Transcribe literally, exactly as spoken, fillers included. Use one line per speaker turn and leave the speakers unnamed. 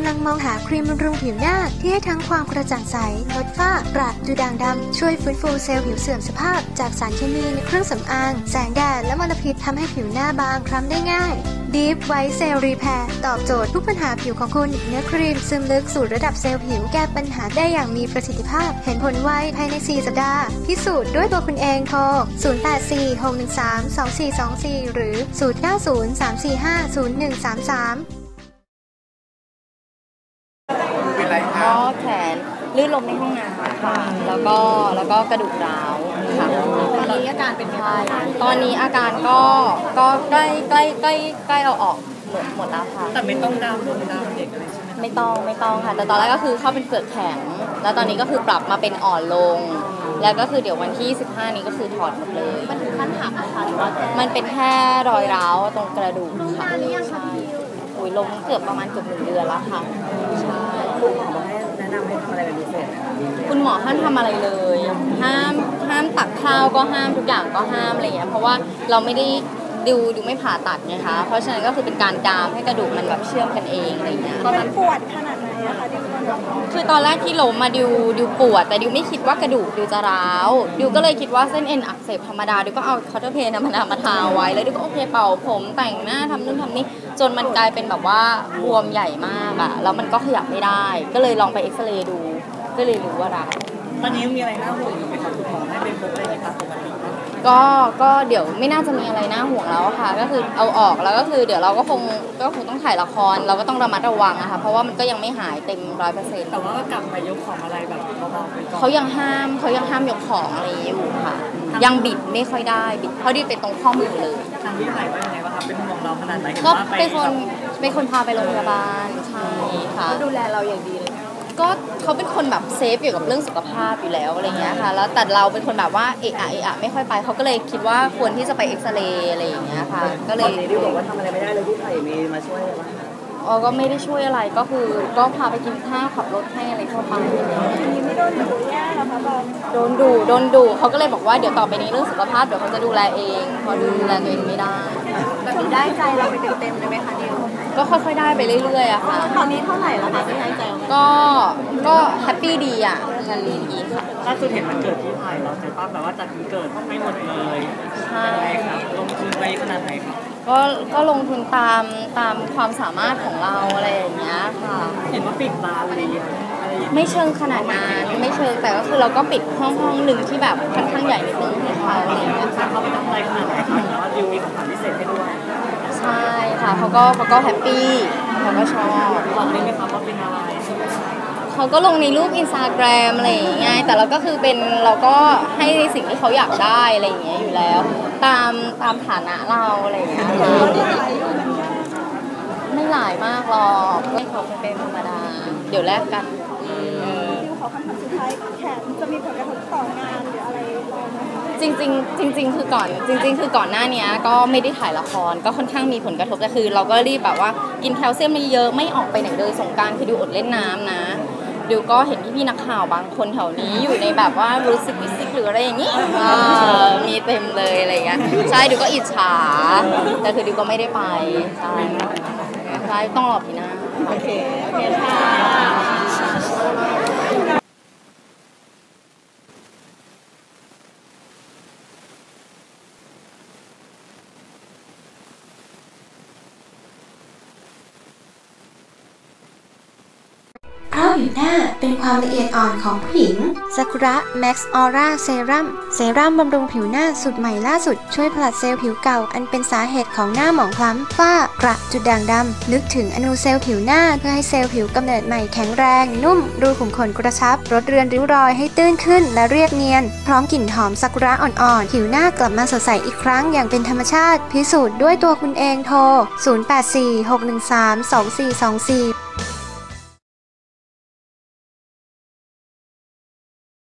ำลังมองหาครีมบำรุงผิวหน้าที่ให้ทั้งความกระจ่างใสลดฝ้ากระดูด่างดำช่วยฟื้นฟูเซลล์ผิวเสื่อมสภาพจากสารเคมีในเครื่องสำอางแสงแดดและมลพิษทำให้ผิวหน้าบางคล้ำได้ง่าย Deep White Cell Repair ตอบโจทย์ทุกปัญหาผิวของคุณเนื้อครีมซึมลึกสู่ระดับเซลล์ผิวแก้ปัญหาได้อย่างมีประสิทธิภาพเห็นผลไวภายในสี่สัปดาห์พิสูจน์ด้วยตัวคุณเองโทรศูนย์ แปด สี่ หก หนึ่ง สาม สอง สี่ สอง สี่หรือศูนย์ เก้า ศูนย์ สาม สี่ ห้า ศูนย์ หนึ่ง สาม สาม
ก็แขนลื่นล้มในห้องน้ำค่ะแล้วก็แล้วก็กระดูกร้าวค่ะตอนนี้อาการเป็นไงตอนนี้อาการก็ก็ใกล้ใกล้ใกล้ใกล้เอาออกหมดหมดแล้วค่ะ
แต่ไม่ต้องดามลงดามเด็กอะไรใช่ไหม
ไม่ต้องไม่ต้องค่ะแต่ตอนแรกก็คือเข้าเป็นเปลือกแข็งแล้วตอนนี้ก็คือปรับมาเป็นอ่อนลงแล้วก็คือเดี๋ยววันที่สิบห้านี้ก็คือถอดหมดเลยมันถึงขั้นหักนะคะหรือว่ามันเป็นแค่รอยร้าวตรงกระดูกค่ะใช่อุ้ยลงเกือบประมาณเกือบหนึ่งเดือนแล้วค่ะใช่
คุณหมอบอกให้แนะนำให้ทำอะไรเป็นพิเศษ
คุณหมอห้ามทำอะไรเลยห้ามห้ามตักข้าวก็ห้ามทุกอย่างก็ห้ามอะไรเงี้ยเพราะว่าเราไม่ได้ดูดูไม่ผ่าตัดไงคะเพราะฉะนั้นก็คือเป็นการดามให้กระดูกมันแบบเชื่อมกันเองอะไรเงี้ย
ตอนนั้นปวดขนาดไหนอะคะดิว
คือตอนแรกที่ล้มมาดิวดิวปวดแต่ดิวไม่คิดว่ากระดูกดิวจะร้าวดิวก็เลยคิดว่าเส้นเอ็นอักเสบธรรมดาดิวก็เอาคอร์เทอร์เพนธรรมดามาทาไว้แล้วดิวก็โอเคเป่าผมแต่งหน้าทำนู่นทำนี่จนมันกลายเป็นแบบว่าบวมใหญ่มากอะแล้วมันก็ขยับไม่ได้ก็เลยลองไปเอ็กซเรย์ดูก็เลยรู้ว่าร้าว
ตอนนี้มีอะไรน่าห่วงอยู่ไหมครับคุณหมอให้เป็นพบอะไรในการปกติ
ก็ก็เดี๋ยวไม่น่าจะมีอะไรน่าห่วงแล้วค่ะก็คือเอาออกแล้วก็คือเดี๋ยวเราก็คงก็คงต้องถ่ายละครเราก็ต้องระมัดระวังนะคะเพราะว่ามันก็ยังไม่หายเต็มร้อยเปอร์เซ็นต์
แต่ว่าก็กลับไปยกของอะไรแบบเบาๆไปก่อน
เขายังห้ามเขายังห้ามยกของอะไรอยู่ค่ะยังบิดไม่ค่อยได้บิดเพราะดิเป็นตรงข้อมือเลย
ทางที่ไหนว่ายังไงบ้างครับเป็นห่วงเราขนาดไหน
ก็เป็นคนเป็นคนพาไปโรงพยาบาลใช่ค่ะ
ดูแลเราอย่างดีเลย
ก็เขาเป็นคนแบบเซฟเกี่ยวกับเรื่องสุขภาพอยู่แล้วอะไรเงี้ยค่ะแล้วแต่เราเป็นคนแบบว่าเอะอะเอะอะไม่ค่อยไปเขาก็เลยคิดว่าควรที่จะไปเอ็กซเรย์อะไรอย่างเงี้ยค่ะก็เลย
ดิวบอกว่าทำอะไรไม่ได้เลยพี่ไผ่มีมาช่วยอะไรบ้าง
อ๋อก็ไม่ได้ช่วยอะไรก็คือก็พาไปกินข้าวขับรถให้อะไรทั่วไป
ไม่โดนดุแย่หรอคะบอล
โดนดุโดนดุเขาก็เลยบอกว่าเดี๋ยวต่อไปนี้เรื่องสุขภาพเดี๋ยวเขาจะดูแลเองเพราะดูแลตัวเองไม่ได้
แบบนี้ได้ใจเราไปเต็มๆเลยไหมคะดิว
ก็ค่อยๆได้ไปเรื่อยๆอะค่ะ
ตอนนี้เท่าไหร่แล้วคะที่ได้ใจ
ก็ก็แฮปปี้ดีอะแฮปปี้ดีค่ะ
ล่าสุดเห็นมันเกิดที่ไทยเราใช่ป่ะแบบว่าจัดวันเกิดไม่หมดเลย
ใช่
ครับลงทุนไปขนาดไหนครับ
ก็ก็ลงทุนตามตามความสามารถของเราอะไรอย่างเงี้ยค่ะ
เห็นว่าปิดร้านเลย
ไม่เชิงขนาดนั้นไม่เชิงแต่ก็คือเราก็ปิดห้องห้องหนึ่งที่แบบค่อนข้างใหญ่ในตรงให้เขาอะไรอย่างเงี้ย
เขาไปทำอะไรขนาดไหนครับแต่ว่าดิวมีของขวัญพิเศษให้ด้วย
ใช่ค่ะเขาก็เขาก็แฮปปี้เขาก็ชอบ
บอกได้ไหมครับว่าเป็นอะไร
เขาก็ลงในรูปอินสตาแกรมอะไรอย่างเงี้ยแต่เราก็คือเป็นเราก็ให้ในสิ่งที่เขาอยากได้อะไรอย่างเงี้ยอยู่แล้วตามตามฐานะเราอะไรอย่างเงี้ยไม่หลายมากหรอกไม่เขาเป็นธรรมดาเดี๋ยวแลกกัน
ดิวขอคำถามสุดท้ายแขนจะมีผลกระทบต่องานหรืออะไร
จริงๆจริงๆคือก่อนจริงๆคือก่อนหน้านี้ก็ไม่ได้ถ่ายละครก็ค่อนข้างมีผลกระทบแต่คือเราก็รีบแบบว่ากินแคลเซียมไม่เยอะไม่ออกไปไหนเลยสงกรานต์คือดิวอดเล่นน้ำนะดิวก็เห็นพี่ๆนักข่าวบางคนแถวนี้อยู่ในแบบว่ารู้สึกวิสิกหรืออะไรอย่างนี้มีเต็มเลยอะไรอย่างเงี้ยใช่ดิวก็อิจฉาแต่คือดิวก็ไม่ได้ไปใช่ใช่ต้องรอปีหน้า
โอเคโอเคค่ะ
เพราะผิวหน้าเป็นความละเอียดอ่อนของผู้หญิงซากุระแม็กซ์ออร่าเซรั่มเซรั่มบำรุงผิวหน้าสูตรใหม่ล่าสุดช่วยผลัดเซลล์ผิวเก่าอันเป็นสาเหตุของหน้าหมองคล้ำฝ้ากระจุดด่างดำลึกถึงอนูเซลล์ผิวหน้าเพื่อให้เซลล์ผิวกำเนิดใหม่แข็งแรงนุ่มรูขุมขนกระชับลดเรือนริ้วรอยให้ตื้นขึ้นและเรียบเนียนพร้อมกลิ่นหอมซากุระอ่อนๆผิวหน้ากลับมาสดใสอีกครั้งอย่างเป็นธรรมชาติพิสูจน์ด้วยตัวคุณเองโทรศูนย์ แปด สี่ หก หนึ่ง สาม สอง สี่ สอง สี่